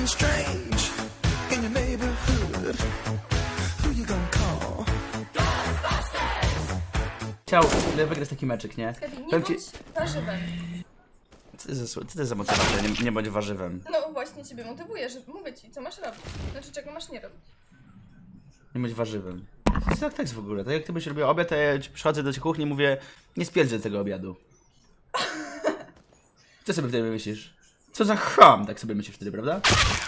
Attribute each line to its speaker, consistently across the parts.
Speaker 1: something strange in your neighborhood. Who you gonna call?
Speaker 2: Chciał wygrać taki meczyk, nie?
Speaker 3: Nie
Speaker 2: Powiem ci...
Speaker 3: bądź warzywem.
Speaker 2: Co to jest za motywacja? Nie bądź warzywem.
Speaker 3: No właśnie ciebie motywuję, że mówię ci, co masz robić. Znaczy, czego masz nie robić.
Speaker 2: Nie bądź warzywem. To jest jak tekst w ogóle. Tak jak ty byś robił obiad, to ja przychodzę do kuchni i mówię, nie spierdzę tego obiadu. Co sobie wtedy myślisz? Co za cham, tak sobie myślisz wtedy, prawda?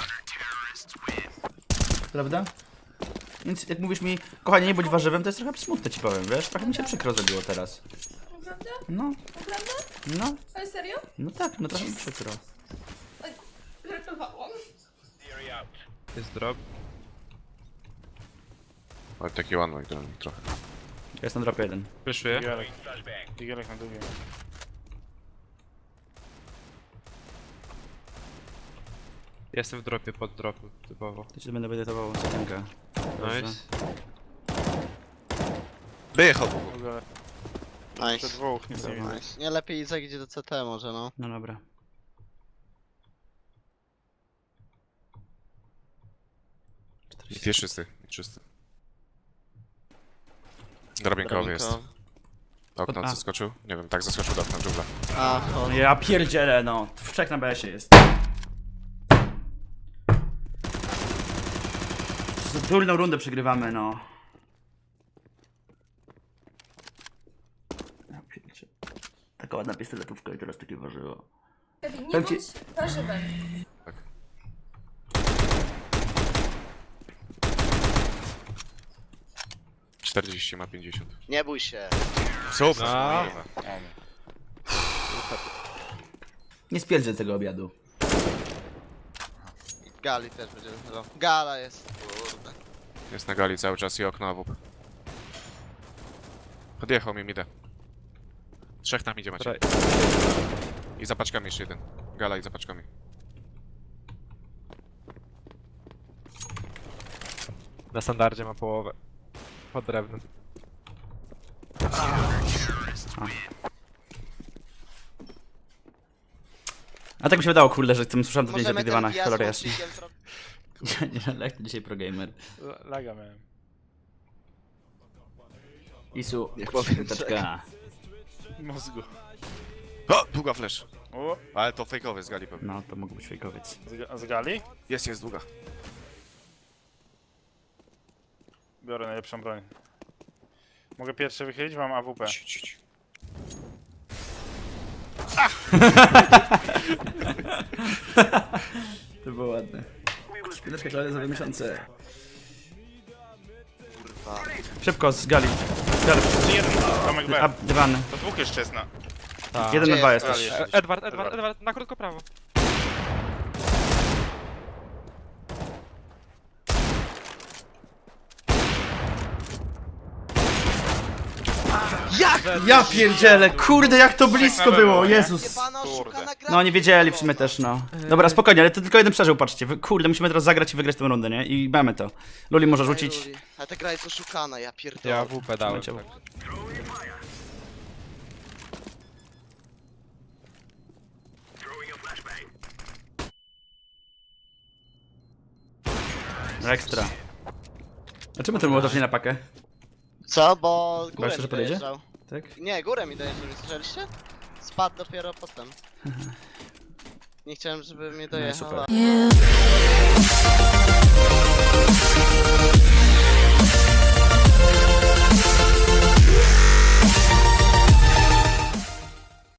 Speaker 2: Prawda? Więc jak mówisz mi, kochanie, nie bądź warzywem, to jest trochę smutne, ci powiem, wiesz? Trochę mi się przykro zrobiło teraz.
Speaker 3: Naprawdę?
Speaker 2: No,
Speaker 3: Naprawdę?
Speaker 2: no,
Speaker 3: Ale serio?
Speaker 2: no tak, no trochę mi przykro.
Speaker 3: Oj, żartowałam.
Speaker 4: Jest drop.
Speaker 5: Ale taki one way trochę.
Speaker 2: Ja jestem na drop 1.
Speaker 4: Wyszuję.
Speaker 6: Digelek na długie.
Speaker 4: Jestem w dropie, pod dropu, typowo.
Speaker 2: To ci będę edytował sekundę.
Speaker 4: Nice.
Speaker 5: Wyjechał!
Speaker 6: Te
Speaker 7: Nice.
Speaker 6: dwóch, nic nie widzę.
Speaker 7: Nice. Nie, lepiej Izak idzie do CT może, no.
Speaker 2: No dobra.
Speaker 5: I jest czysty, czysty. Drabinkowy jest. Okno
Speaker 2: A.
Speaker 5: zaskoczył? Nie wiem, tak zaskoczył do okna dżungla.
Speaker 7: A, to...
Speaker 2: Ja pierdzielę, no. Wszak na BS-ie jest. Durną rundę przegrywamy, no. Ja pierdzielę. Taka ładna pistoletówka i teraz takie warzywo.
Speaker 3: Nie
Speaker 2: Powiem ci-
Speaker 3: bądź warzywem.
Speaker 5: 40 ma 50.
Speaker 7: Nie bój się.
Speaker 5: Super!
Speaker 4: A.
Speaker 2: Nie spierdzę tego obiadu.
Speaker 7: Gali też będzie. No. Gala jest. Kurde.
Speaker 5: Jest na gali cały czas i okno AWP. Podjechał mi midę. Trzech tam idzie macie. I za paczkami jeszcze jeden. Gala i za paczkami.
Speaker 4: Na standardzie ma połowę. Pod drewnem.
Speaker 2: A tak mi się wydało, kurde, że tym słyszałem to nie
Speaker 7: Możemy
Speaker 2: zapidywana,
Speaker 7: ten
Speaker 2: kolor
Speaker 7: wjazd
Speaker 2: jasny.
Speaker 7: mocnikiem
Speaker 2: Nie, jak to dzisiaj progamer.
Speaker 6: Laga miałem.
Speaker 2: Isu,
Speaker 7: Niech powiem,
Speaker 2: taczka.
Speaker 6: Mózgu.
Speaker 5: O! Długa flash.
Speaker 6: O,
Speaker 5: Ale to fejkowy z gali pewnie.
Speaker 2: No, to mógł być fejkowiec.
Speaker 6: z gali?
Speaker 5: Jest długa.
Speaker 6: Biorę najlepszą broń. Mogę pierwszy wychylić? Mam AWP.
Speaker 2: To było ładne. Chwileczkę, ale za 2 miesiące.
Speaker 7: Kurwa.
Speaker 2: Szybko, z gali. Z gali.
Speaker 6: Czy jeden? Tomek
Speaker 2: A,
Speaker 6: B.
Speaker 2: dywany.
Speaker 6: To dwóch jeszcze jest na.
Speaker 4: Tak.
Speaker 2: 1 na
Speaker 7: Gdzie
Speaker 2: 2
Speaker 7: jest
Speaker 2: jesteś.
Speaker 7: gali?
Speaker 4: Edward, na krótko prawo.
Speaker 2: Ja pierdzielę, kurde, jak to blisko było, Jezus.
Speaker 7: Jebana oszukana gra.
Speaker 2: No, nie wiedzieli w sumie też, no. Dobra, spokojnie, ale to tylko jeden przeżył, patrzcie. Kurde, musimy teraz zagrać i wygrać tę rundę, nie? I mamy to. Luli może rzucić.
Speaker 7: Ale ta gra jest oszukana, ja pierdolę.
Speaker 4: Ja WP dałem.
Speaker 2: Leciał.
Speaker 4: Tak.
Speaker 2: Ekstra. A czemu ten młotow nie na pakę?
Speaker 7: Co? Bo górę
Speaker 2: jeszcze, że
Speaker 7: mi
Speaker 2: podjedzie?
Speaker 7: dojeżdżał.
Speaker 2: Tak?
Speaker 7: Nie, górę mi dojeżdżał, nie słyszeliście? Spadł dopiero potem. Nie chciałem, żeby mnie
Speaker 2: No i
Speaker 7: dojechała.
Speaker 2: super.